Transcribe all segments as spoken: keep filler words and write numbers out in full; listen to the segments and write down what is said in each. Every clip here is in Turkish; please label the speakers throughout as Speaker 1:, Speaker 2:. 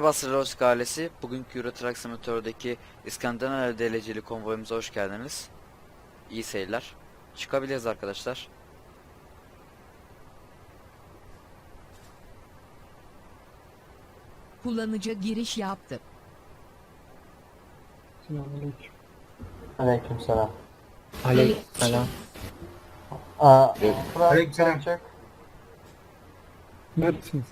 Speaker 1: Merhaba Sırlos ailesi. Bugünkü Euro Truck Simulator'daki İskandinav dereceli konvoyumuza hoş geldiniz. İyi seyirler. Çıkabiliriz arkadaşlar.
Speaker 2: Kullanıcı giriş yaptı.
Speaker 3: Selamünaleyküm.
Speaker 4: Aleykümselam.
Speaker 5: Aleykümselam.
Speaker 4: Aa, Fırat
Speaker 3: Aleykümselam.
Speaker 4: sen çek.
Speaker 3: Neredesiniz?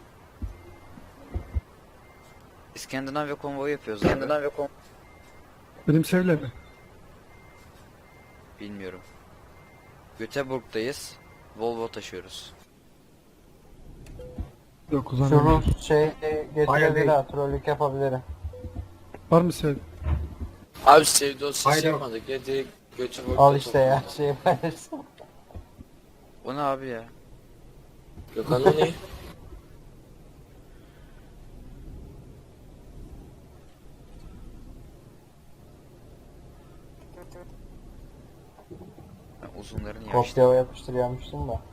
Speaker 1: İskandinavya konvoyu yapıyoruz abi. İskandinavya konvoyu.
Speaker 3: Benim Sevle mi?
Speaker 1: Bilmiyorum. Göteborg'dayız. Volvo taşıyoruz.
Speaker 3: Yok
Speaker 4: Şu
Speaker 3: uzanmıyorum.
Speaker 4: Rus şey
Speaker 3: Hayır,
Speaker 4: getirebilir
Speaker 3: değil.
Speaker 4: ha, trollük yapabilirim.
Speaker 3: Var mı Sevle?
Speaker 5: Abi sevdi o ses
Speaker 3: Hayır.
Speaker 5: yapmadık ya direkt götü boyunca
Speaker 4: Al işte ya, şey paylaşsın.
Speaker 1: O ne abi ya?
Speaker 5: Gökhan o ne?
Speaker 1: Ben uzunlarını yaştım.
Speaker 4: Kopya yapıştırıyormuştum da.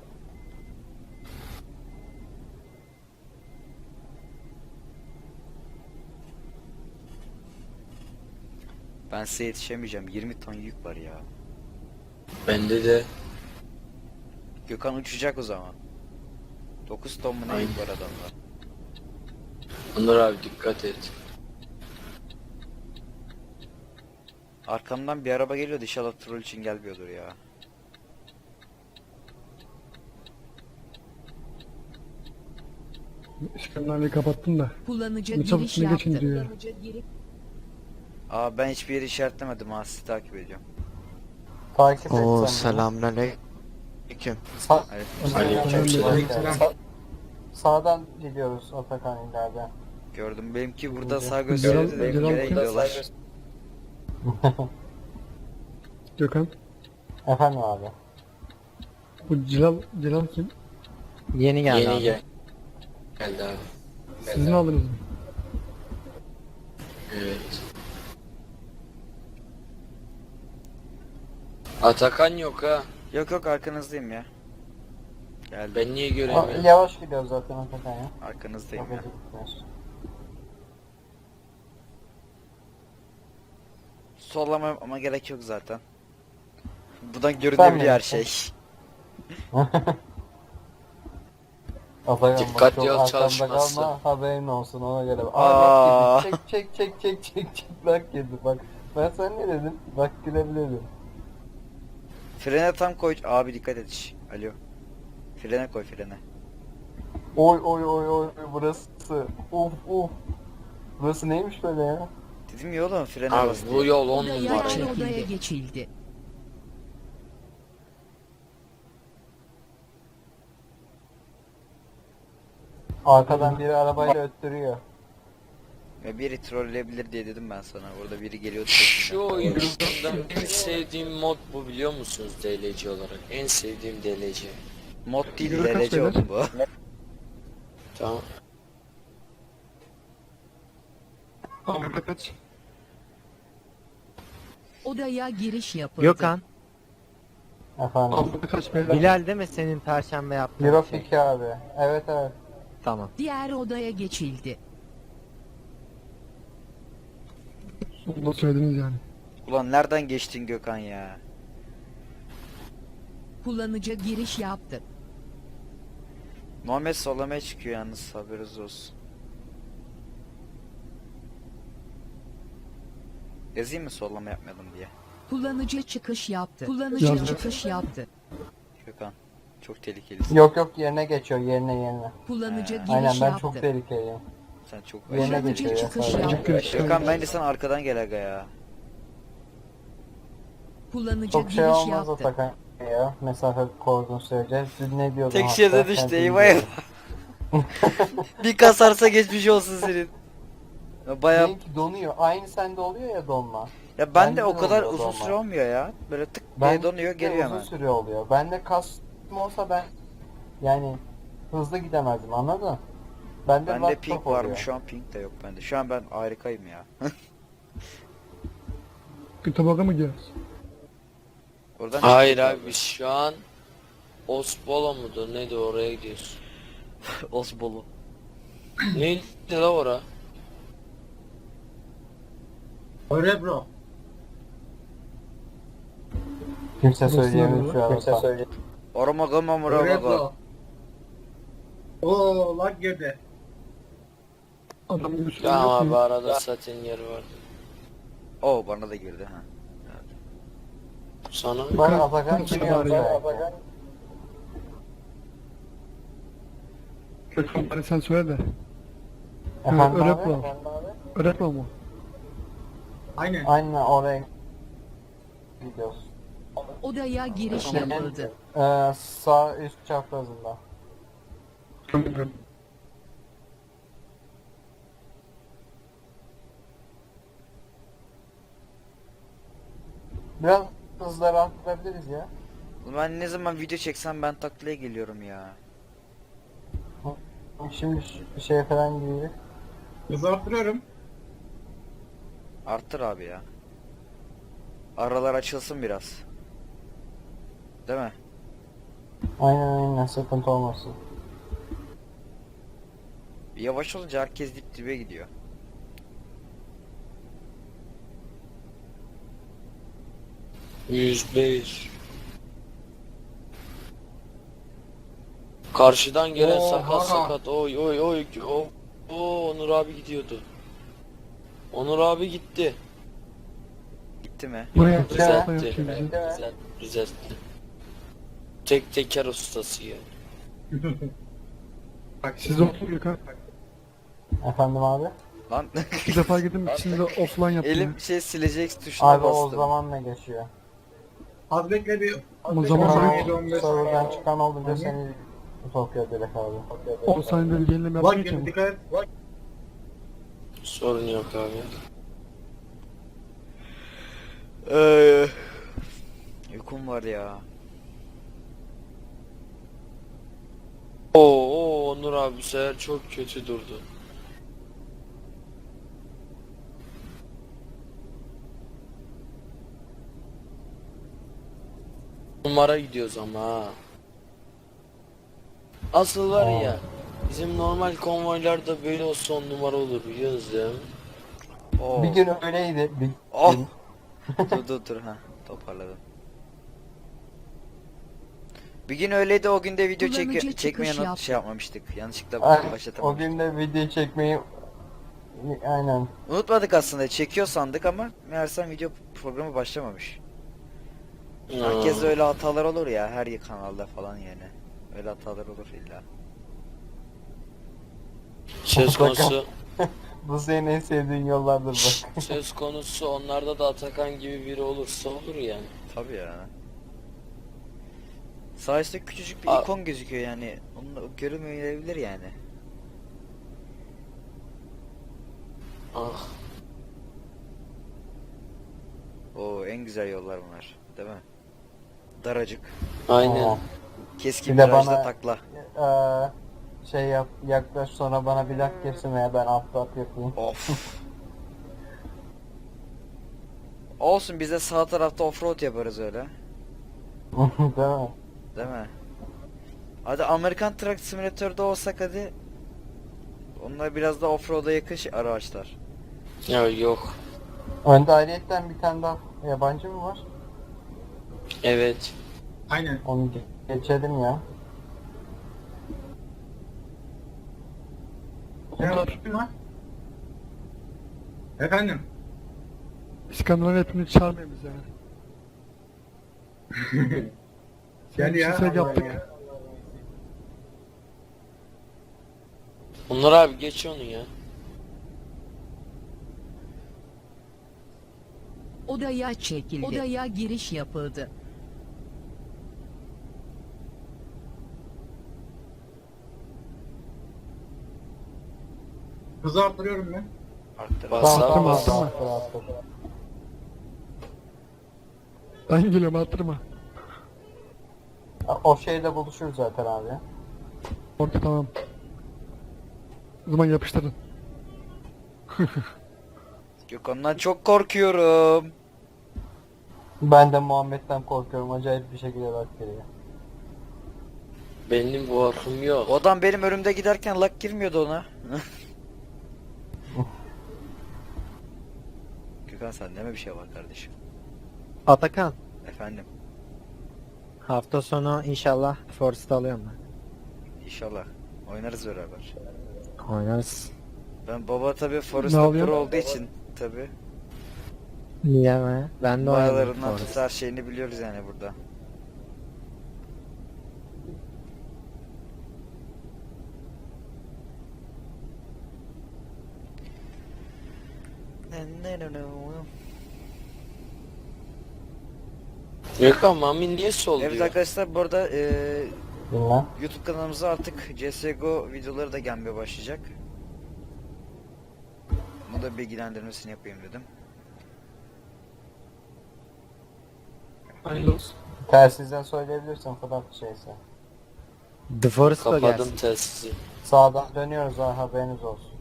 Speaker 1: Ben size yetişemeyeceğim. yirmi ton yük var ya.
Speaker 5: Bende de.
Speaker 1: Gökhan uçacak o zaman. dokuz ton mu ne yük var adamda?
Speaker 5: Onur abi dikkat et.
Speaker 1: Arkamdan bir araba geliyordu. İnşallah troll için gelmiyordur ya.
Speaker 3: İskandinavya'yı kapattım da.
Speaker 2: Kullanıcı
Speaker 3: Ne çabuk
Speaker 2: giriş
Speaker 3: ne
Speaker 2: yaptı.
Speaker 3: geçin diyor.
Speaker 2: Kullanıcı giri-
Speaker 1: Aa ben hiçbir yeri işaretlemedim ha. Sizi takip ediyorum.
Speaker 4: Takip et
Speaker 6: Oo
Speaker 4: sen.
Speaker 6: selamünaleyküm.
Speaker 4: Sa
Speaker 5: Aleykümselam.
Speaker 3: Aleykümselam.
Speaker 4: Sa sağdan gidiyoruz Atakan ileride.
Speaker 1: Gördüm. Benimki burada sağ
Speaker 3: Celal-
Speaker 1: gösteriyordu.
Speaker 3: Celal
Speaker 1: Benimki nereye
Speaker 3: kim?
Speaker 1: gidiyorlar?
Speaker 3: Gökhan.
Speaker 4: Efendim abi.
Speaker 3: Bu Celal, Celal kim?
Speaker 6: Yeni geldi
Speaker 5: Yeni
Speaker 6: abi.
Speaker 5: gel. Geldi abi.
Speaker 3: Siz mi aldınız mı?
Speaker 5: Evet. Atakan yok ha.
Speaker 1: Yok yok arkanızdayım ya. Geldim.
Speaker 5: Ben niye
Speaker 4: Aa,
Speaker 5: göremiyorum?
Speaker 4: yavaş gidiyoruz zaten Atakan ya.
Speaker 1: Arkanızdayım
Speaker 4: Çok
Speaker 1: ya.
Speaker 4: acıkmıyoruz.
Speaker 1: Sollama ama gerek yok zaten. Buradan görünebiliyor her şey.
Speaker 4: Atakan bak,
Speaker 5: Dikkatli
Speaker 4: çok
Speaker 5: ol,
Speaker 4: arkamda
Speaker 5: çalışmazsın.
Speaker 4: kalma, haberin olsun ona göre.
Speaker 1: Aa.
Speaker 4: Aa bak yedi. Çek çek çek çek çek bak yedi bak. Ben sana ne dedim? Bak gülebilirim.
Speaker 1: Frene tam koy. Abi dikkat et. şş. Alo. Frene koy frene.
Speaker 4: Oy oy oy oy burası. Uf uf. Burası neymiş böyle ya?
Speaker 1: Dedim ya oğlum frene
Speaker 5: Abi
Speaker 1: bas
Speaker 5: bu
Speaker 1: diye.
Speaker 5: yol on
Speaker 2: Odaya
Speaker 5: numara.
Speaker 2: yani
Speaker 5: ya.
Speaker 2: odaya geçildi.
Speaker 4: Arkadan biri arabayla öttürüyor.
Speaker 1: Ya biri trolleyebilir diye dedim ben sana. Orada biri geliyordu.
Speaker 5: Şu
Speaker 1: peşinden.
Speaker 5: oyunda en sevdiğim mod bu biliyor musunuz D L C olarak? En sevdiğim D L C.
Speaker 1: Mod değil
Speaker 3: Yürü kaç
Speaker 1: derece
Speaker 3: beyler?
Speaker 1: oldu bu.
Speaker 5: Tamam.
Speaker 3: Aa burada kaç?
Speaker 2: Odaya giriş yapıldı.
Speaker 6: Gökhan,
Speaker 4: Efendim.
Speaker 3: Aa burada kaç beyler?
Speaker 6: Bilal değil mi senin perşembe yaptığın
Speaker 4: Euro
Speaker 6: şey?
Speaker 4: iki abi. Evet evet.
Speaker 6: Tamam.
Speaker 2: Diğer odaya geçildi.
Speaker 3: Sonunda söylediniz yani.
Speaker 1: Ulan nereden geçtin Gökhan ya?
Speaker 2: Kullanıcı giriş yaptı.
Speaker 1: Muhammed sollamaya çıkıyor yalnız haberiniz olsun. Yazayım mı sollama yapmayalım diye.
Speaker 2: Kullanıcı çıkış yaptı. Kullanıcı
Speaker 3: Yazdım.
Speaker 2: çıkış yaptı.
Speaker 1: Gökhan çok tehlikelisin.
Speaker 4: Yok yok yerine geçiyor yerine yerine.
Speaker 2: Kullanıcı
Speaker 1: Ee,
Speaker 2: giriş
Speaker 4: Aynen ben
Speaker 2: yaptı.
Speaker 4: çok tehlikeliyim.
Speaker 1: Sen çok
Speaker 4: Yerine
Speaker 1: aşırı
Speaker 2: Kullanıcı
Speaker 4: geçiyor ya
Speaker 2: çıkış
Speaker 4: sadece.
Speaker 2: yaptı.
Speaker 3: Görüşürüz.
Speaker 1: Gökhan bence sen arkadan gel aga ya.
Speaker 2: Kullanıcı
Speaker 4: Çok şey
Speaker 2: giriş
Speaker 4: olmaz
Speaker 2: yaptı.
Speaker 4: Atakan ya. Mesafe koruduğun sürece. Siz ne diyordun?
Speaker 1: Tek
Speaker 4: hatta?
Speaker 1: şeride
Speaker 4: Sen
Speaker 1: düştü
Speaker 4: de
Speaker 1: eyvah eyvah.
Speaker 4: diyordun.
Speaker 1: Bir kasarsa geçmiş olsun senin. Ya Baya
Speaker 4: Benimki donuyor. Aynı sende oluyor ya donma.
Speaker 1: ya ben de
Speaker 4: bende
Speaker 1: o
Speaker 4: de
Speaker 1: kadar
Speaker 4: oluyor
Speaker 1: uzun
Speaker 4: donma.
Speaker 1: süre olmuyor ya. Böyle tık
Speaker 4: Ben
Speaker 1: diye donuyor geliyor
Speaker 4: uzun
Speaker 1: hemen.
Speaker 4: süre oluyor. Bende kasma olsa ben yani hızlı gidemezdim anladın? Bende,
Speaker 1: Bende
Speaker 4: laptop
Speaker 1: ping
Speaker 4: oluyor.
Speaker 1: varmış şu an ping de yok bende. Şu an ben harikayım ya.
Speaker 3: Göteborg'a mı gidiyoruz?
Speaker 1: Oradan
Speaker 5: Hayır abi biz şu an Osbolo mudur neydi oraya gidiyoruz.
Speaker 1: Osbolu.
Speaker 5: Neydi la ora?
Speaker 7: Öyle bro.
Speaker 4: Kimse
Speaker 3: Nasıl
Speaker 4: söyleyemiyor
Speaker 3: oluyor?
Speaker 4: şu an. Kimse
Speaker 1: Oromago
Speaker 7: Öyle
Speaker 1: mamurago.
Speaker 7: bro. Oo lag girdi.
Speaker 3: Adamın bir şey
Speaker 5: Ya
Speaker 3: yok
Speaker 5: abi
Speaker 3: mu?
Speaker 5: arada zaten yeri vardı.
Speaker 1: Oo bana da girdi ha.
Speaker 5: Sana
Speaker 4: Bak Atakan
Speaker 3: Kimse
Speaker 4: giriyor.
Speaker 3: var ya.
Speaker 4: Atakan.
Speaker 3: Gökhan bari sen söyle de.
Speaker 4: Efendim
Speaker 3: öyle
Speaker 4: abi?
Speaker 3: yapalım. Öğretme ama.
Speaker 7: Aynen.
Speaker 4: Aynen oraya gidiyoruz.
Speaker 2: Odaya giriş yapıldı.
Speaker 4: Ee, sağ üst çaprazında. Biraz hızlı rahatlatabiliriz ya.
Speaker 1: Ben ne zaman video çeksem ben taklaya geliyorum ya.
Speaker 4: Şimdi ş- şeye falan giriyor.
Speaker 7: Hızı arttırıyorum.
Speaker 1: Arttır abi ya. Aralar açılsın biraz. Değil mi?
Speaker 4: Aynen aynen sıkıntı olmasın.
Speaker 1: Yavaş olunca herkes dip dibe gidiyor.
Speaker 5: yüz bir. Karşıdan gelen
Speaker 7: Oha.
Speaker 5: sakat sakat oy oy oy o o Onur abi gidiyordu. Onur abi gitti.
Speaker 1: Gitti mi?
Speaker 3: Buraya
Speaker 4: Güzel.
Speaker 3: Güzel.
Speaker 5: Düzeltti.
Speaker 3: Güzel.
Speaker 5: Güzel, düzeltti. Tek teker ustası ya.
Speaker 3: Siz oturun Gökhan.
Speaker 4: Efendim abi?
Speaker 1: Lan
Speaker 3: Bir defa gittim içinde offline yaptım.
Speaker 1: elim şey silecek tuşuna
Speaker 4: Abi o
Speaker 1: bastım.
Speaker 4: zaman ne geçiyor?
Speaker 7: Az bekle bir.
Speaker 3: O zaman
Speaker 7: Tamam.
Speaker 3: böyle
Speaker 7: yedi on beş.
Speaker 4: Serverden çıkan olunca seni sokuyor direkt abi.
Speaker 3: on saniyede bir yenileme
Speaker 7: Lag
Speaker 3: yapmaya
Speaker 7: girdi
Speaker 3: geçelim.
Speaker 7: dikkat et. Lag.
Speaker 5: Sorun yok abi.
Speaker 1: Ee, uykum var ya.
Speaker 5: Oo, oo Onur abi bu sefer çok kötü durdu. Numara gidiyoruz ama ha. Asıl var ya bizim normal konvoylarda böyle olsa on numara olur biliyorsunuz değil mi?
Speaker 1: Oo.
Speaker 4: Bir gün öyleydi. Bir
Speaker 1: Oh.
Speaker 4: gün.
Speaker 1: dur dur dur ha toparladım. Bir gün öyleydi o günde video
Speaker 2: Kullanıcı
Speaker 1: çek çekmeye
Speaker 2: çıkış
Speaker 1: not-
Speaker 2: yaptı.
Speaker 1: şey yapmamıştık. Yanlışlıkla
Speaker 4: Ay, o
Speaker 1: başlatamamıştık.
Speaker 4: gün de video çekmeyi aynen.
Speaker 1: Unutmadık aslında çekiyor sandık ama meğersem video programı başlamamış. Herkes
Speaker 5: Hmm.
Speaker 1: de öyle hatalar olur ya her kanalda falan yani. Öyle hatalar olur illa.
Speaker 5: Söz konusu
Speaker 4: Bu senin en sevdiğin yollardır bak.
Speaker 5: söz konusu onlarda da Atakan gibi biri olursa olur yani.
Speaker 1: Tabii ya. Sağ üstte küçücük bir
Speaker 5: A-
Speaker 1: ikon gözüküyor yani. Onu görünmeyebilir yani.
Speaker 5: Ah.
Speaker 1: Oo en güzel yollar bunlar. Değil mi? Daracık.
Speaker 5: Aynen.
Speaker 4: Aa.
Speaker 1: Keskin
Speaker 4: Bir de
Speaker 1: virajda
Speaker 4: bana-
Speaker 1: takla.
Speaker 4: Ee, şey yap yaklaş sonra bana bir lak kesin veya ben atlat yapayım.
Speaker 1: Of. Olsun biz de sağ tarafta offroad yaparız öyle.
Speaker 4: Değil mi?
Speaker 1: Değil mi? Hadi Amerikan Truck Simulator'da olsak hadi. Onlar biraz da offroad'a yakın şey- araçlar.
Speaker 5: Ya yok.
Speaker 4: Önde ayrıyetten bir tane daha yabancı mı var?
Speaker 5: Evet.
Speaker 7: Aynen.
Speaker 4: Onu ge- geçelim ya.
Speaker 7: Sen oturtun lan. Efendim.
Speaker 3: İskandinav hepimiz çağırmayın biz yani.
Speaker 7: Gel ya.
Speaker 3: Yüksek yaptık.
Speaker 5: Onur abi geç onu ya.
Speaker 2: Odaya çekildi. Odaya giriş yapıldı.
Speaker 7: Hızı arttırıyorum ben.
Speaker 1: Arttır.
Speaker 5: Bas
Speaker 4: Tamam
Speaker 5: abi
Speaker 4: tamam
Speaker 5: bas.
Speaker 3: tamam.
Speaker 4: attır, attır.
Speaker 3: Ben geliyorum attırma.
Speaker 4: O şeyde buluşuruz zaten abi.
Speaker 3: Orta tamam. O zaman yapıştırın.
Speaker 1: Gökhan'dan çok korkuyorum.
Speaker 4: Ben de Muhammed'den korkuyorum. Acayip bir şekilde bak geliyor.
Speaker 5: Benim korkum yok.
Speaker 1: O adam benim önümde giderken lak girmiyordu ona. Gökhan sen deme bir şey var kardeşim.
Speaker 6: Atakan,
Speaker 1: Efendim.
Speaker 6: hafta sonu inşallah Forest alıyorum ben.
Speaker 1: İnşallah. Oynarız beraber.
Speaker 6: Oynarız.
Speaker 1: Ben baba tabi
Speaker 3: Ne
Speaker 1: Forrest'ta
Speaker 3: alıyor?
Speaker 1: pro olduğu için tabi.
Speaker 6: Niye mi? Ben de oynadım
Speaker 1: Bayalarından
Speaker 6: Forest.
Speaker 1: tut her şeyini biliyoruz yani burada.
Speaker 5: Gökhan Mami niye sol
Speaker 1: Evet
Speaker 5: diyor?
Speaker 1: arkadaşlar bu arada eee
Speaker 4: Bilmem.
Speaker 1: YouTube kanalımıza artık C S G O videoları da gelmeye başlayacak. Bunu da bilgilendirmesini yapayım dedim.
Speaker 3: Hayırlı olsun.
Speaker 4: Telsizden söyleyebilirsin Fırat şeyse.
Speaker 6: The Forest da
Speaker 5: Kapadım
Speaker 6: gelsin.
Speaker 5: telsizi.
Speaker 4: Sağdan dönüyoruz ha, haberiniz olsun.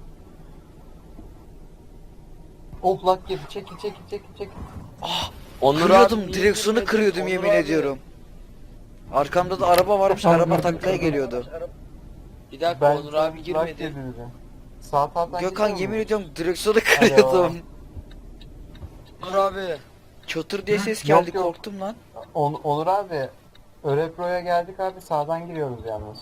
Speaker 4: Of lak gibi, çekil çekil çekil çekil.
Speaker 5: Onur
Speaker 1: Kırıyordum,
Speaker 5: abi niye
Speaker 1: direksiyonu
Speaker 5: girmedin?
Speaker 1: kırıyordum
Speaker 5: Onur
Speaker 1: yemin
Speaker 5: abi.
Speaker 1: ediyorum. Arkamda da araba varmış,
Speaker 3: Tamam,
Speaker 1: araba
Speaker 3: gördüm,
Speaker 1: taklaya
Speaker 3: gördüm.
Speaker 1: geliyordu.
Speaker 5: Bir dakika
Speaker 4: Ben
Speaker 5: Onur abi
Speaker 4: lak
Speaker 5: girmedi.
Speaker 4: girdi. Sağ taraftan
Speaker 1: Gökhan
Speaker 4: gidiyor
Speaker 1: yemin
Speaker 4: mu?
Speaker 1: ediyorum direksiyonu kırıyordum.
Speaker 5: Onur abi.
Speaker 1: Çatır diye ses
Speaker 4: Yok,
Speaker 1: geldi
Speaker 4: yok.
Speaker 1: korktum lan.
Speaker 4: On, Onur abi, Örepro'ya geldik abi, sağdan giriyoruz yalnız.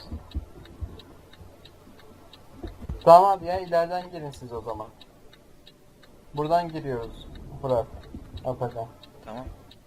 Speaker 4: Tamam abi ya, ileriden gelin siz o zaman. Buradan giriyoruz. Fırat. Atakan.
Speaker 1: Tamam.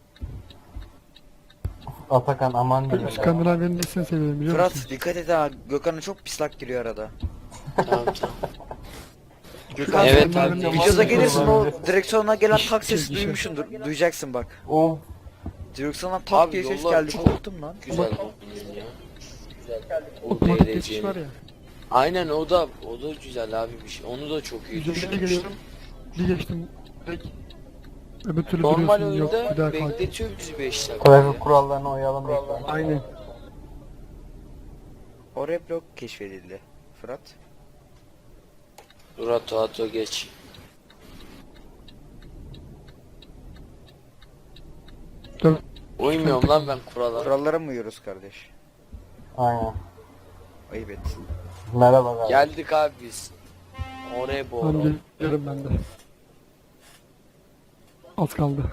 Speaker 4: Atakan aman diyeyim.
Speaker 3: İskandinavya'nın nesini seviyorum biliyor
Speaker 1: Fırat
Speaker 3: musun?
Speaker 1: dikkat et ha, Gökhan'a çok pislak giriyor arada.
Speaker 5: Tamam tamam.
Speaker 1: Gökhan
Speaker 5: Evet
Speaker 1: sen
Speaker 5: abi,
Speaker 1: videoda
Speaker 5: tamam.
Speaker 1: gelirsin o
Speaker 4: Olabilir.
Speaker 1: direksiyona gelen tak sesi
Speaker 3: Çekişe.
Speaker 1: duymuşsundur. Duyacaksın bak.
Speaker 4: Of.
Speaker 1: Direksiyondan tak
Speaker 5: Abi
Speaker 1: diye ses
Speaker 5: yollar
Speaker 1: geldi
Speaker 5: çok-
Speaker 1: korktum lan.
Speaker 5: Güzel bugün ya.
Speaker 3: Otomatik
Speaker 5: D R
Speaker 3: geçiş
Speaker 5: C.
Speaker 3: var ya.
Speaker 5: Aynen o da o da güzel abi bir şey. Onu da çok iyi
Speaker 3: Yüzümde
Speaker 5: düşünmüş.
Speaker 3: geliyorum. Bir geçtim. Direkt. Öbür türlü
Speaker 5: Normal
Speaker 3: duruyorsun. Yok
Speaker 5: oyunda
Speaker 3: bir daha kalk.
Speaker 5: bekletiyor bizi beş dakika.
Speaker 4: Trafik kurallarına uyalım lütfen.
Speaker 3: Aynen.
Speaker 1: O reblok keşfedildi. Fırat.
Speaker 5: Dur ato ato geç.
Speaker 3: Dur.
Speaker 5: Uymuyorum lan ben kurala.
Speaker 1: Kurallara mı uyuyoruz kardeş?
Speaker 4: Aynen.
Speaker 1: Ayıp et.
Speaker 4: Merhaba abi.
Speaker 5: Geldik abi biz. Oraya
Speaker 3: Tamam
Speaker 5: boğru.
Speaker 3: geliyorum ben de. Az kaldı.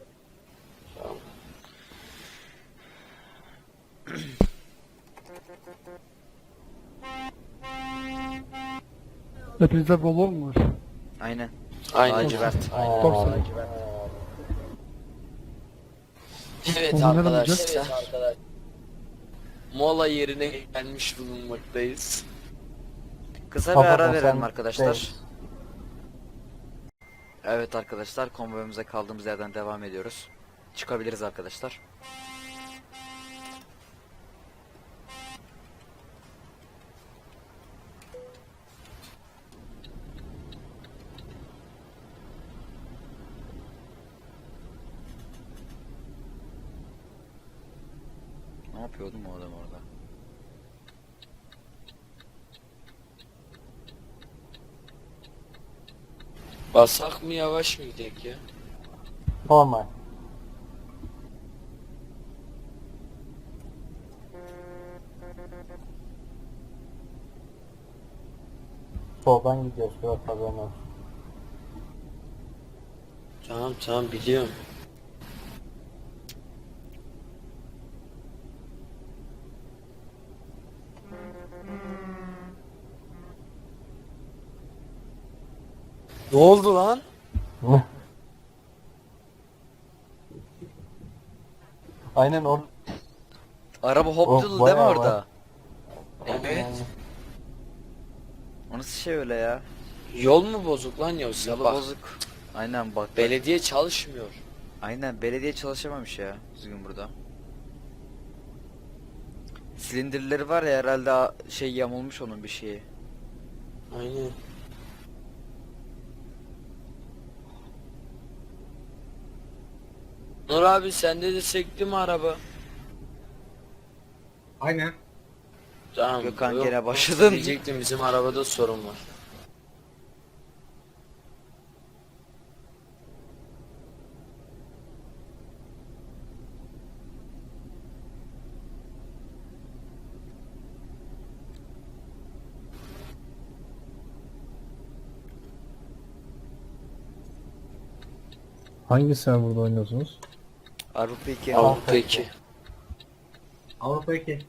Speaker 3: Hepinizde Volvo mu var?
Speaker 1: Aynen.
Speaker 5: Aynen.
Speaker 1: Lacivert.
Speaker 4: Aynen
Speaker 3: Dorsa.
Speaker 4: abi.
Speaker 5: Evet
Speaker 3: Onu ne
Speaker 5: arkadaşlar. Mola yerine gelmiş bulunmaktayız.
Speaker 1: Kısa bir
Speaker 4: Kapat
Speaker 1: ara
Speaker 4: o,
Speaker 1: verelim
Speaker 4: sen
Speaker 1: arkadaşlar.
Speaker 4: değil.
Speaker 1: Evet arkadaşlar konvoyumuza kaldığımız yerden devam ediyoruz. Çıkabiliriz arkadaşlar. Ne yapıyordum o adam orada?
Speaker 5: Basak mı yavaş mı gidek ya?
Speaker 4: Normal. Soldan gidiyoruz Fırat, haberin olsun.
Speaker 5: Tamam tamam biliyorum. Ne oldu lan?
Speaker 4: Aynen or
Speaker 1: Araba
Speaker 4: Oh,
Speaker 1: hop değil mi
Speaker 4: bayağı
Speaker 1: orada?
Speaker 5: Evet.
Speaker 1: O nasıl şey öyle ya?
Speaker 5: Yol mu bozuk lan yoksa?
Speaker 1: Yolu
Speaker 5: Bak,
Speaker 1: bozuk. Aynen bak.
Speaker 5: belediye çalışmıyor.
Speaker 1: Aynen belediye çalışamamış ya düzgün burada. Silindirleri var ya herhalde a- şey yamulmuş onun bir şeyi.
Speaker 5: Aynen. Nur abi sende de sekti mi araba?
Speaker 7: Aynen.
Speaker 5: Tamam.
Speaker 1: Gökhan
Speaker 5: yok,
Speaker 1: gene başladın.
Speaker 5: Diyecektim bizim arabada sorun var.
Speaker 8: Hangi serverda oynuyorsunuz?
Speaker 1: Avrupa iki.
Speaker 5: Avrupa iki.
Speaker 7: Avrupa iki.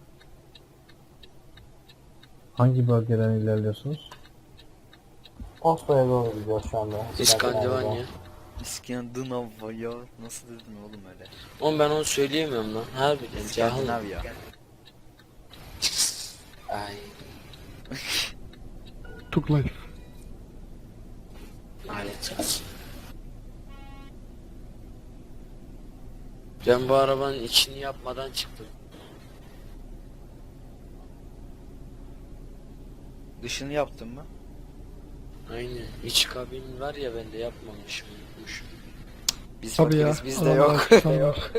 Speaker 8: Hangi bölgeden ilerliyorsunuz?
Speaker 4: Oslo'ya doğru gidiyoruz şu anda.
Speaker 5: İskandinavya.
Speaker 1: İskandinavya. Nasıl dedin oğlum öyle?
Speaker 5: Oğlum ben onu söyleyemiyorum lan. Harbiden cahil.
Speaker 1: İskandinavya.
Speaker 5: Ay.
Speaker 3: Took life.
Speaker 5: Lanet olsun. Ben bu arabanın içini yapmadan çıktım.
Speaker 1: Dışını yaptın mı?
Speaker 5: Aynen. İç kabin var ya, ben de yapmamışım, unutmuşum.
Speaker 1: Biz
Speaker 3: Tabii ya.
Speaker 1: fakiriz bizde
Speaker 3: adamlar
Speaker 1: yok.
Speaker 3: tutamıyor.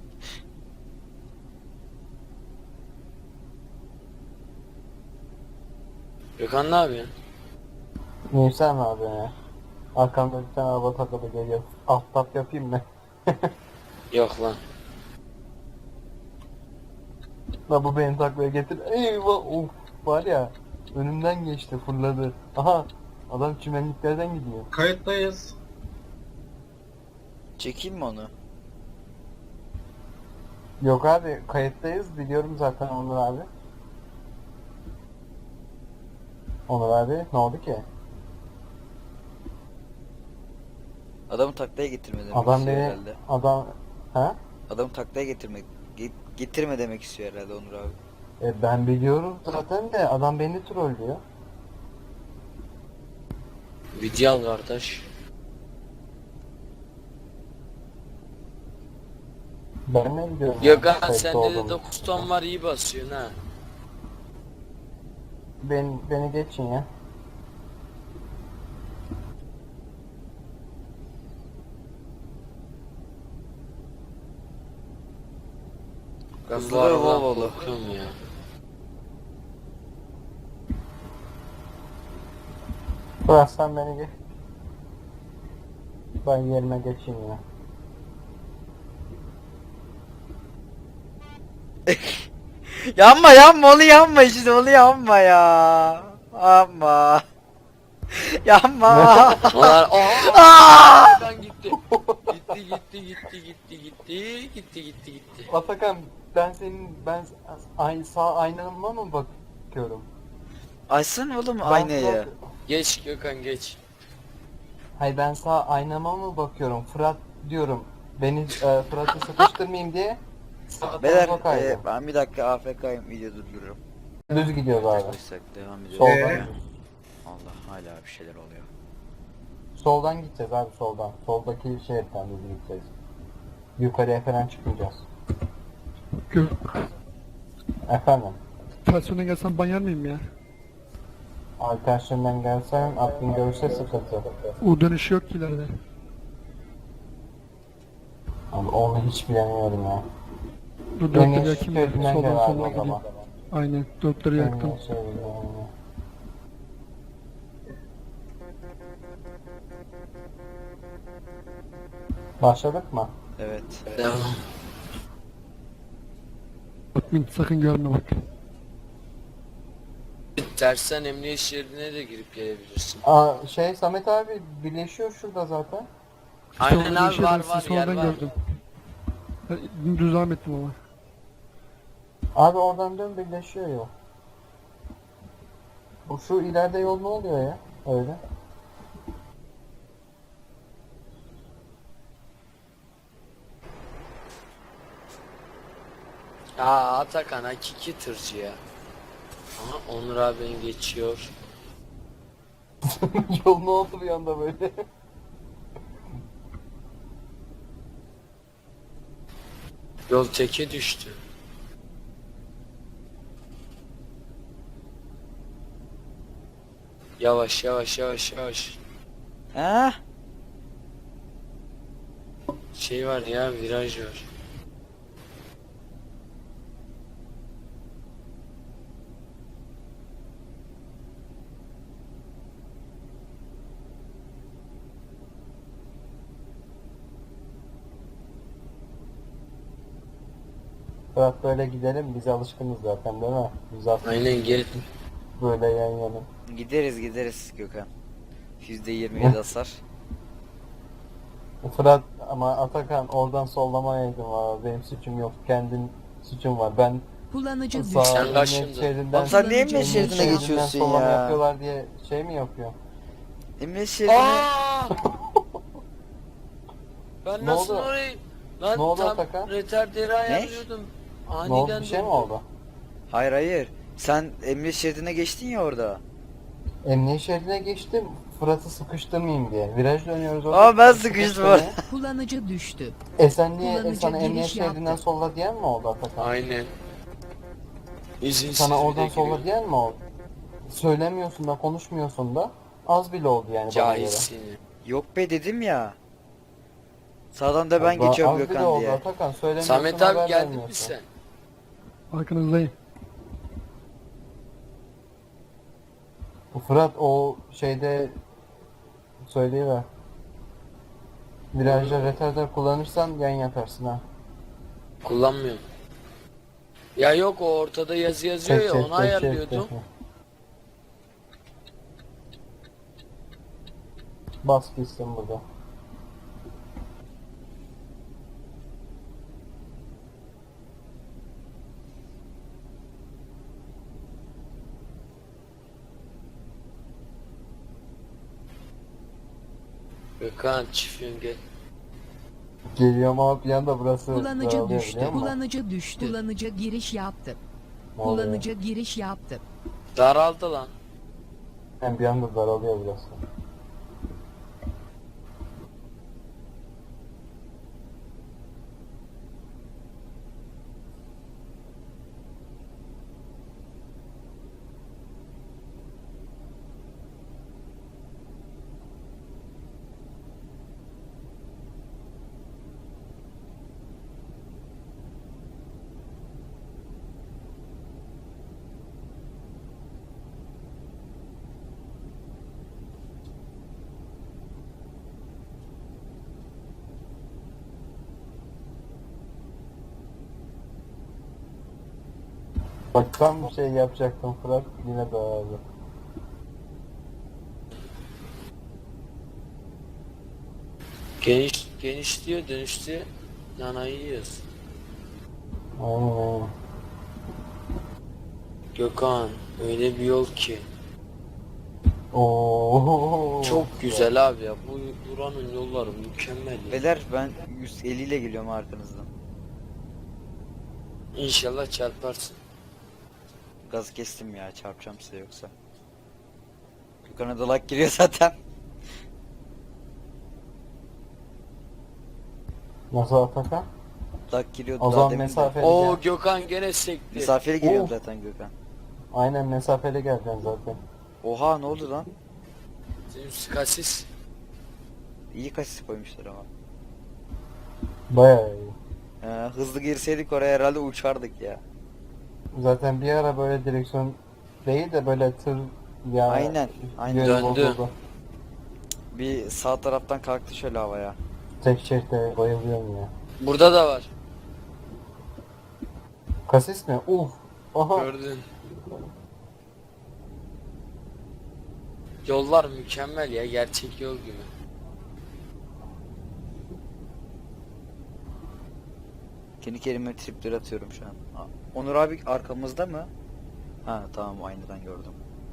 Speaker 5: Gökhan ne yapıyorsun?
Speaker 4: Neyse mi abi ya? Arkamda bir tane araba takılı geliyor. Alt tap yapayım mı?
Speaker 5: Yok lan.
Speaker 4: La bu beni taklaya getir. Eyvah of var ya. Önümden geçti fırladı. Aha adam çimenliklerden gidiyor.
Speaker 7: Kayıttayız.
Speaker 1: Çekeyim mi onu?
Speaker 4: Yok abi kayıttayız biliyorum zaten Onur abi. Onur abi ne oldu ki?
Speaker 1: Adamı taklaya getirme demek
Speaker 4: Adam
Speaker 1: istiyor
Speaker 4: beni
Speaker 1: herhalde.
Speaker 4: adam ha?
Speaker 1: Adamı taklaya getirmek ge- getirme demek istiyor herhalde Onur abi.
Speaker 4: E, ben biliyorum zaten de adam beni trollüyor.
Speaker 5: Video al kardeş.
Speaker 4: Ben ne biliyorum?
Speaker 5: Gökhan
Speaker 4: kayıtta
Speaker 5: sende de
Speaker 4: olduğumu.
Speaker 5: dokuz ton var, iyi basıyorsun ha.
Speaker 4: Ben, beni geçin ya.
Speaker 5: Ben
Speaker 1: Hızlı
Speaker 5: bu
Speaker 1: ve
Speaker 5: arabadan
Speaker 1: Volvo'lu.
Speaker 5: korkuyorum ya.
Speaker 4: Bıraksan beni geç. Ben yerime geçeyim ya.
Speaker 1: Yanma yanma onu yanma işte onu yanma ya. Yanma. Yanma.
Speaker 5: Onlar
Speaker 1: Aa!
Speaker 5: oha! Ben gitti. Gitti gitti gitti gitti gitti gitti gitti gitti.
Speaker 4: Atakan ben senin ben ay, sağ aynama mı bakıyorum?
Speaker 1: Açsana oğlum
Speaker 4: Ben
Speaker 1: aynayı.
Speaker 4: Fırat-
Speaker 5: Geç Gökhan geç.
Speaker 4: Hayır ben sağ aynama mı bakıyorum? Fırat diyorum. Beni e, Fırat'ı sıkıştırmayayım diye. Sağa
Speaker 1: Beyler
Speaker 4: tarafa kaydım.
Speaker 1: e, ben bir dakika A F K'yım video durdururum.
Speaker 4: Düz gidiyoruz abi.
Speaker 1: Koysak devam ediyoruz.
Speaker 4: Soldan.
Speaker 7: Ee?
Speaker 1: Allah hala bir şeyler oluyor.
Speaker 4: Soldan gideceğiz abi soldan. Soldaki şeritten düz gideceğiz. Yukarıya falan çıkmayacağız.
Speaker 3: Gör.
Speaker 4: Efendim.
Speaker 3: Ters yöne gelsen ban yer miyim ya?
Speaker 4: Arkadaşlarından gelsen aklın görürse sıkıntı.
Speaker 3: U dönüşü yok ki ileride.
Speaker 4: Abi onu hiç bilemiyorum ya.
Speaker 3: Dur
Speaker 4: Beni
Speaker 3: dörtleri yakayım da
Speaker 4: şeridinden
Speaker 3: soldan
Speaker 4: gel abi
Speaker 3: sola
Speaker 4: o
Speaker 3: gideyim.
Speaker 4: zaman.
Speaker 3: Aynen dörtleri yaktım.
Speaker 4: Beni şeridinden. Başladık mı?
Speaker 1: Evet.
Speaker 5: Devam.
Speaker 3: Admin sakın görme bak.
Speaker 5: Tersten emniyet şeridine de girip gelebilirsin.
Speaker 4: Aa, şey Samet abi birleşiyor şurada zaten.
Speaker 5: Aynen
Speaker 3: Solda
Speaker 5: abi
Speaker 3: yeşil
Speaker 5: var
Speaker 3: dersi,
Speaker 5: var yer
Speaker 3: sonradan
Speaker 5: var.
Speaker 3: gördüm. Ben düz devam ettim ama.
Speaker 4: Abi oradan dön birleşiyor yol. Bu şu ileride yol ne oluyor ya? Öyle.
Speaker 5: Aa Atakan hakiki tırcı ya. Aha Onur abi beni geçiyor.
Speaker 4: Yol ne oldu bir anda böyle?
Speaker 5: Yol teke düştü. Yavaş yavaş yavaş yavaş.
Speaker 1: Ha?
Speaker 5: Şey var ya, viraj var.
Speaker 4: Fırat böyle gidelim biz alışkınız zaten değil mi? Biz artık
Speaker 5: Aynen gel.
Speaker 4: böyle yan yana.
Speaker 1: Gideriz gideriz Gökhan. yüzde yirmi yedi hasar.
Speaker 4: Fırat ama Atakan oradan sollamayaydın valla. Benim suçum yok. Kendin suçun var. Ben
Speaker 2: Kullanıcı
Speaker 4: sağ
Speaker 2: düştü.
Speaker 5: Sen
Speaker 4: emniyet
Speaker 5: kaçındın.
Speaker 4: şeridinden,
Speaker 1: Oğlum sen niye
Speaker 2: Kullanıcı
Speaker 1: emniyet
Speaker 2: olmuş.
Speaker 1: şeridine
Speaker 4: şeridinden
Speaker 1: geçiyorsun
Speaker 4: sollama
Speaker 1: ya?
Speaker 4: yapıyorlar diye şey mi yapıyor?
Speaker 1: Emniyet şeridine...
Speaker 5: Aa! Ben
Speaker 4: Ne
Speaker 5: nasıl
Speaker 4: oldu?
Speaker 5: orayı... Lan
Speaker 4: Ne oldu
Speaker 5: tam
Speaker 4: Atakan?
Speaker 5: retarderi ayarlıyordum.
Speaker 4: Ne oldu?
Speaker 5: Aniden
Speaker 4: Bir şey mi
Speaker 5: durdum.
Speaker 4: oldu?
Speaker 1: Hayır hayır. Sen emniyet şeridine geçtin ya orada.
Speaker 4: Emniyet şeridine geçtim. Fırat'ı sıkıştırmayayım diye. Viraj dönüyoruz orada.
Speaker 1: Aa, ben sıkıştım
Speaker 4: Sıkıştırmaya.
Speaker 2: Kullanıcı düştü.
Speaker 4: E sen niye e,
Speaker 2: Kullanıcı
Speaker 4: sana emniyet
Speaker 2: giriş yaptı.
Speaker 4: şeridinden solla diyen mi oldu Atakan?
Speaker 5: Aynen. İzinsiz
Speaker 4: Sana
Speaker 5: bir de
Speaker 4: oradan solla
Speaker 5: giriyor.
Speaker 4: diyen mi oldu? Söylemiyorsun da konuşmuyorsun da az bile oldu yani bana göre.
Speaker 5: Cahilsin.
Speaker 1: Yok be dedim ya. Sağdan da ben
Speaker 4: Daha
Speaker 1: geçiyorum
Speaker 4: az bile
Speaker 1: Gökhan
Speaker 4: oldu
Speaker 1: diye.
Speaker 4: Atakan, söylemiyorsun,
Speaker 5: Samet
Speaker 4: haber
Speaker 5: abi geldin mi
Speaker 4: vermiyorsun.
Speaker 5: sen?
Speaker 3: Arkanızdayım.
Speaker 4: Bu Fırat o şeyde söyleyiver. Virajda retarder kullanırsan yan yatarsın ha.
Speaker 5: Kullanmıyorum. Ya yok, o ortada yazı yazıyor ya, onu ayarlıyordum.
Speaker 4: Bas gitsin burada.
Speaker 5: Gökhan çiftliğim gel.
Speaker 4: Geliyorum ama bir anda burası
Speaker 2: Kullanıcı
Speaker 4: daralıyor,
Speaker 2: düştü.
Speaker 4: biliyor musun?
Speaker 2: Kullanıcı düştü. Kullanıcı giriş yaptı.
Speaker 4: Ne oluyor?
Speaker 2: Kullanıcı giriş yaptı.
Speaker 5: Daraldı lan.
Speaker 4: Hem bir anda daralıyor burası. Bak tam bir şey yapacaktım Fırat, yine daraldı.
Speaker 5: Geniş, genişliyor, dönüştü. Nanayı yiyoruz.
Speaker 4: Aynen aynen.
Speaker 5: Gökhan öyle bir yol ki.
Speaker 4: Oo.
Speaker 5: Çok güzel abi ya. Bu buranın yolları mükemmel ya.
Speaker 1: Beyler ben yüz elli ile geliyorum arkanızdan.
Speaker 5: İnşallah çarparsın.
Speaker 1: Gaz kestim ya, çarpacağım size yoksa. Gökhan'a dalak giriyor zaten.
Speaker 4: Nasıl Atakan?
Speaker 1: Dalak giriyordu
Speaker 4: O
Speaker 1: daha
Speaker 4: zaman
Speaker 1: demin de.
Speaker 4: mesafeli
Speaker 5: Oo
Speaker 4: gel.
Speaker 5: Gökhan gene sekti.
Speaker 1: Mesafeli geliyorum
Speaker 4: Of.
Speaker 1: zaten Gökhan.
Speaker 4: Aynen mesafeli geleceksin zaten.
Speaker 1: Oha, ne oldu lan?
Speaker 5: Senin skasis.
Speaker 1: İyi kasis koymuşlar ama.
Speaker 4: Bayağı iyi.
Speaker 1: Ee, hızlı girseydik oraya herhalde uçardık ya.
Speaker 4: Zaten bir ara böyle direksiyon değil de böyle tır ya.
Speaker 1: Aynen, aynen.
Speaker 4: yönü
Speaker 5: Döndü.
Speaker 4: bozuldu.
Speaker 1: Bir sağ taraftan kalktı şöyle havaya.
Speaker 4: Tek şeritte bayılıyorum ya.
Speaker 5: Burada da var.
Speaker 4: Kasis mi? Uf. Aha.
Speaker 5: Gördün. Yollar mükemmel ya, gerçek yol gibi.
Speaker 1: Kendi kendime tripler atıyorum şu an. Aa, Onur abi arkamızda mı? Ha tamam, aynadan gördüm.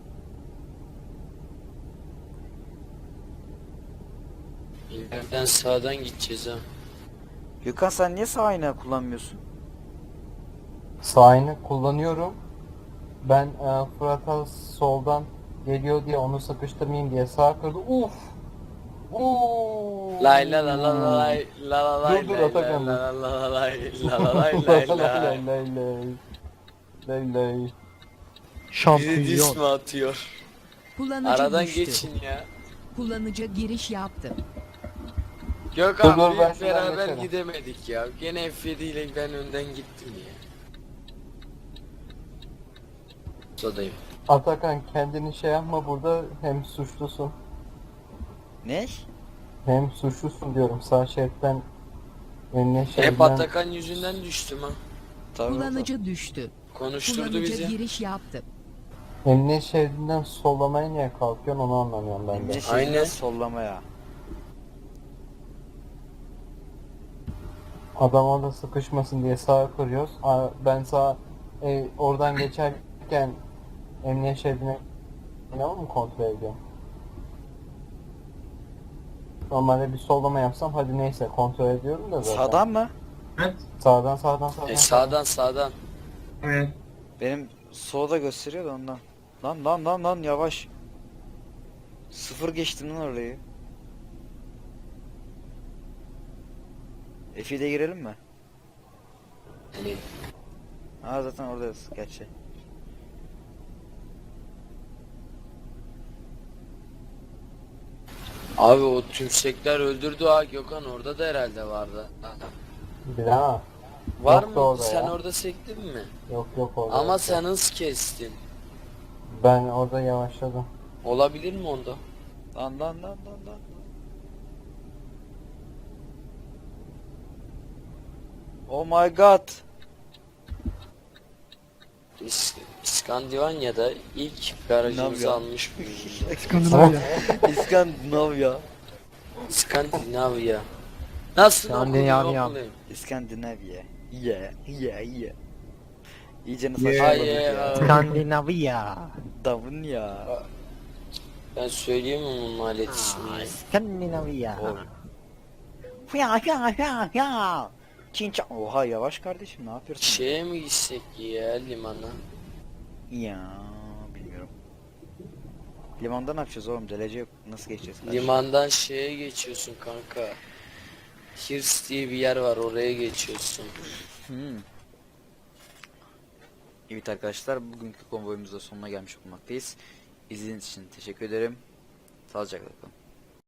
Speaker 5: İleriden sağdan gideceğiz ha.
Speaker 1: Gökhan sen niye sağ ayna kullanmıyorsun?
Speaker 4: Sağını kullanıyorum. Ben e, Fırat'a soldan geliyor diye onu sıkıştırmayayım diye sağ kırdı. Uf. Uuu.
Speaker 5: Lay la la la la lay la la lay
Speaker 4: Dur, dur,
Speaker 5: lay
Speaker 4: Atakan,
Speaker 5: la
Speaker 4: dur.
Speaker 5: la la la lay la la lay lay lay.
Speaker 4: lay lay lay. Lay lay.
Speaker 5: Biri
Speaker 3: Şampiyon.
Speaker 5: dis mi atıyor?
Speaker 2: Kullanıcı
Speaker 5: Aradan
Speaker 2: düştü.
Speaker 5: geçin ya.
Speaker 2: Kullanıcı giriş yaptı.
Speaker 5: Gökhan
Speaker 4: Dur, dur, ben
Speaker 5: biz
Speaker 4: şuradan
Speaker 5: beraber
Speaker 4: geçerim.
Speaker 5: gidemedik ya. Gene F yedi ile ben önden gittim ya. Sodayım.
Speaker 4: Atakan kendini şey yapma, burada hem suçlusun
Speaker 1: Ne?
Speaker 4: hem suçlusun diyorum, sağ şeritten önüne
Speaker 5: Hep
Speaker 4: şeritten.
Speaker 5: Atakan yüzünden düştüm ha.
Speaker 1: Tabii.
Speaker 2: Kullanıcı düştü.
Speaker 5: Konuşturdu
Speaker 2: Kullanıcı
Speaker 5: bizi.
Speaker 2: giriş yaptı.
Speaker 4: Emniyet şeridinden sollamaya niye kalkıyorsun, onu anlamıyorum ben de.
Speaker 1: Emniyet
Speaker 5: Aynen.
Speaker 1: şeridine sollamaya.
Speaker 4: Adam orada sıkışmasın diye sağa kırıyoruz. Aa, Ben sağ e, oradan geçerken emniyet şeridine inanır mı kontrol ediyorum? Normalde bir sollama yapsam hadi neyse kontrol ediyorum da zaten.
Speaker 1: Sağdan mı?
Speaker 7: Evet.
Speaker 4: Sağdan sağdan sağdan.
Speaker 5: E sağdan sağdan.
Speaker 7: Evet.
Speaker 1: Benim solda gösteriyor da ondan. Lan lan lan lan yavaş. Sıfır geçtim lan orayı. F ile girelim mi?
Speaker 5: Yani
Speaker 1: Ha zaten oradayız gerçi.
Speaker 5: abi o tümsekler öldürdü ha Gökhan, orada da herhalde vardı.
Speaker 4: Bir daha.
Speaker 5: Var
Speaker 4: Yoktu
Speaker 5: mı?
Speaker 4: orada
Speaker 5: Sen
Speaker 4: ya.
Speaker 5: orada sektin mi?
Speaker 4: Yok yok orada.
Speaker 5: Ama
Speaker 4: yok.
Speaker 5: sen hız kestin.
Speaker 4: Ben orada yavaşladım.
Speaker 5: Olabilir mi onda?
Speaker 1: Lan lan lan lan lan. Oh my god.
Speaker 5: İs İskandinavya'da ilk garajımızı
Speaker 1: Navya.
Speaker 5: almış bulunuyoruz.
Speaker 3: İskandinavya.
Speaker 1: İskandinavya.
Speaker 5: İskandinavya. Nasıl
Speaker 6: İskandinavya.
Speaker 5: okunuyor?
Speaker 1: İskandinavya. Yeah, yeah, yeah. İyice
Speaker 3: Yeah.
Speaker 1: saçmaladık
Speaker 5: Yeah.
Speaker 1: ya.
Speaker 6: Skandinavya.
Speaker 1: Davun ya.
Speaker 5: Ben söyleyeyim mi bunun alet ismini?
Speaker 6: Skandinavya.
Speaker 1: Oy. Ya ya ya ya. Çinça. Oha yavaş kardeşim ne yapıyorsun?
Speaker 5: Şeye mi gitsek ya limana?
Speaker 1: Ya bilmiyorum. Limanda ne yapacağız oğlum? Delece yok. Nasıl geçeceğiz? kardeşim?
Speaker 5: Limandan şeye geçiyorsun kanka. Hirs diye bir yer var, oraya geçiyorsun.
Speaker 1: Hmm. Evet arkadaşlar, bugünkü konvoyumuzda sonuna gelmiş bulunmaktayız. İzlediğiniz için teşekkür ederim. Sağlıcakla kalın.